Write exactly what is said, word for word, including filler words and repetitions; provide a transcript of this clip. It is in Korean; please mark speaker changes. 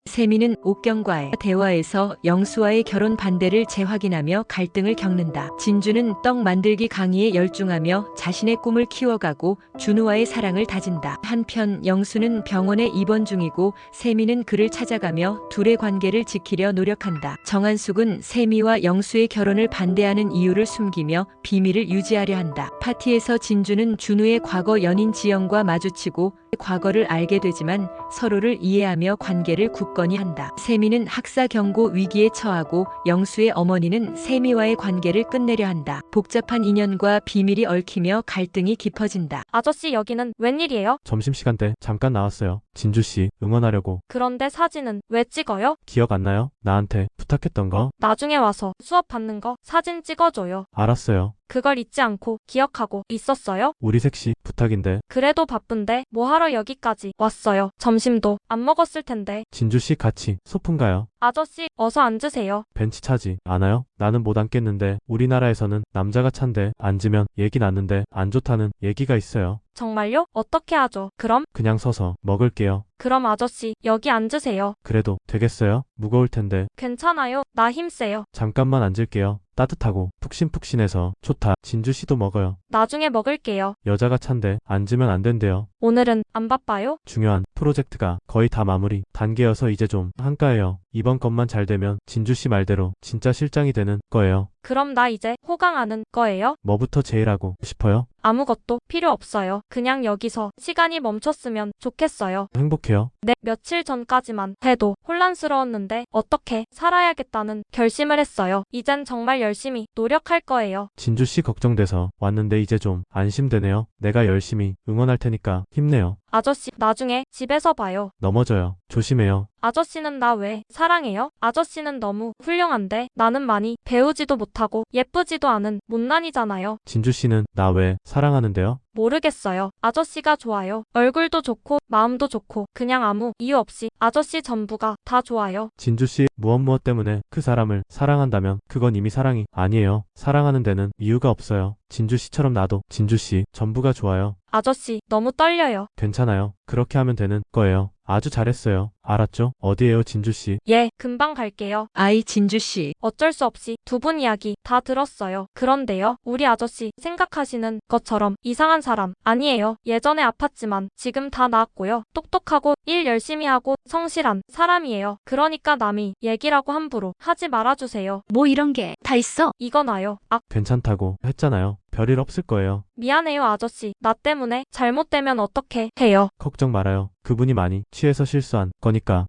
Speaker 1: 세미는 옥경과의 대화에서 영수와의 결혼 반대를 재확인하며 갈등을 겪는다. 진주는 떡 만들기 강의에 열중하며 자신의 꿈을 키워가고 준우와의 사랑을 다진다. 한편 영수는 병원에 입원 중이고 세미는 그를 찾아가며 둘의 관계를 지키려 노력한다. 정한숙은 세미와 영수의 결혼을 반대하는 이유를 숨기며 비밀을 유지하려 한다. 파티에서 진주는 준우의 과거 연인 지영과 마주치고 과거를 알게 되지만 서로를 이해하며 관계를 굳건히 한다. 세미는 학사 경고 위기에 처하고 영수의 어머니는 세미와의 관계를 끝내려 한다. 복잡한 인연과 비밀이 얽히며 갈등이 깊어진다.
Speaker 2: 아저씨 여기는 웬일이에요?
Speaker 3: 점심시간 때 잠깐 나왔어요. 진주씨 응원하려고.
Speaker 2: 그런데 사진은 왜 찍어요?
Speaker 3: 기억 안 나요? 나한테 부탁했던 거?
Speaker 2: 나중에 와서 수업 받는 거 사진 찍어줘요.
Speaker 3: 알았어요.
Speaker 2: 그걸 잊지 않고 기억하고 있었어요?
Speaker 3: 우리 셋이 부탁인데.
Speaker 2: 그래도 바쁜데 뭐하러 여기까지 왔어요? 점심도 안 먹었을 텐데.
Speaker 3: 진주씨 같이 소풍 가요.
Speaker 2: 아저씨 어서 앉으세요.
Speaker 3: 벤치 차지 않아요? 나는 못 앉겠는데 우리나라에서는 남자가 찬데 앉으면 얘기 났는데 안 좋다는 얘기가 있어요.
Speaker 2: 정말요? 어떻게 하죠? 그럼?
Speaker 3: 그냥 서서 먹을게요.
Speaker 2: 그럼 아저씨 여기 앉으세요.
Speaker 3: 그래도 되겠어요? 무거울 텐데.
Speaker 2: 괜찮아요. 나 힘세요.
Speaker 3: 잠깐만 앉을게요. 따뜻하고 푹신푹신해서 좋다. 진주씨도 먹어요.
Speaker 2: 나중에 먹을게요.
Speaker 3: 여자가 찬데 앉으면 안 된대요.
Speaker 2: 오늘은 안 바빠요?
Speaker 3: 중요한 프로젝트가 거의 다 마무리 단계여서 이제 좀 한가해요. 이번 것만 잘 되면 진주씨 말대로 진짜 실장이 되는 거예요.
Speaker 2: 그럼 나 이제 호강하는 거예요?
Speaker 3: 뭐부터 제일 하고 싶어요?
Speaker 2: 아무것도 필요 없어요. 그냥 여기서 시간이 멈췄으면 좋겠어요.
Speaker 3: 행복해요.
Speaker 2: 네, 며칠 전까지만 해도 혼란스러웠는데 어떻게 살아야겠다는 결심을 했어요. 이젠 정말 열심히 노력할 거예요.
Speaker 3: 진주씨 걱정돼서 왔는데 이제 좀 안심되네요. 내가 열심히 응원할 테니까 힘내요.
Speaker 2: 아저씨, 나중에 집에서 봐요.
Speaker 3: 넘어져요. 조심해요.
Speaker 2: 아저씨는 나 왜 사랑해요? 아저씨는 너무 훌륭한데 나는 많이 배우지도 못하고 예쁘지도 않은 못난이잖아요.
Speaker 3: 진주씨는 나 왜 사랑하는데요?
Speaker 2: 모르겠어요. 아저씨가 좋아요. 얼굴도 좋고 마음도 좋고 그냥 아무 이유 없이 아저씨 전부가 다 좋아요.
Speaker 3: 진주씨 무엇 무엇 때문에 그 사람을 사랑한다면 그건 이미 사랑이 아니에요. 사랑하는 데는 이유가 없어요. 진주씨처럼 나도 진주씨 전부가 좋아요.
Speaker 2: 아저씨 너무 떨려요.
Speaker 3: 괜찮아요. 그렇게 하면 되는 거예요. 아주 잘했어요. 알았죠? 어디에요, 진주씨?
Speaker 2: 예, 금방 갈게요.
Speaker 1: 아이 진주씨.
Speaker 2: 어쩔 수 없이 두 분 이야기 다 들었어요. 그런데요, 우리 아저씨 생각하시는 것처럼 이상한 사람 아니에요. 예전에 아팠지만 지금 다 나았고요. 똑똑하고 일 열심히 하고 성실한 사람이에요. 그러니까 남이 얘기라고 함부로 하지 말아주세요.
Speaker 4: 뭐 이런 게 다 있어?
Speaker 2: 이거 나요. 아,
Speaker 3: 괜찮다고 했잖아요. 별일 없을 거예요.
Speaker 2: 미안해요 아저씨. 나 때문에 잘못되면 어떻게 해요?
Speaker 3: 걱정 말아요. 그분이 많이 취해서 실수한 거니까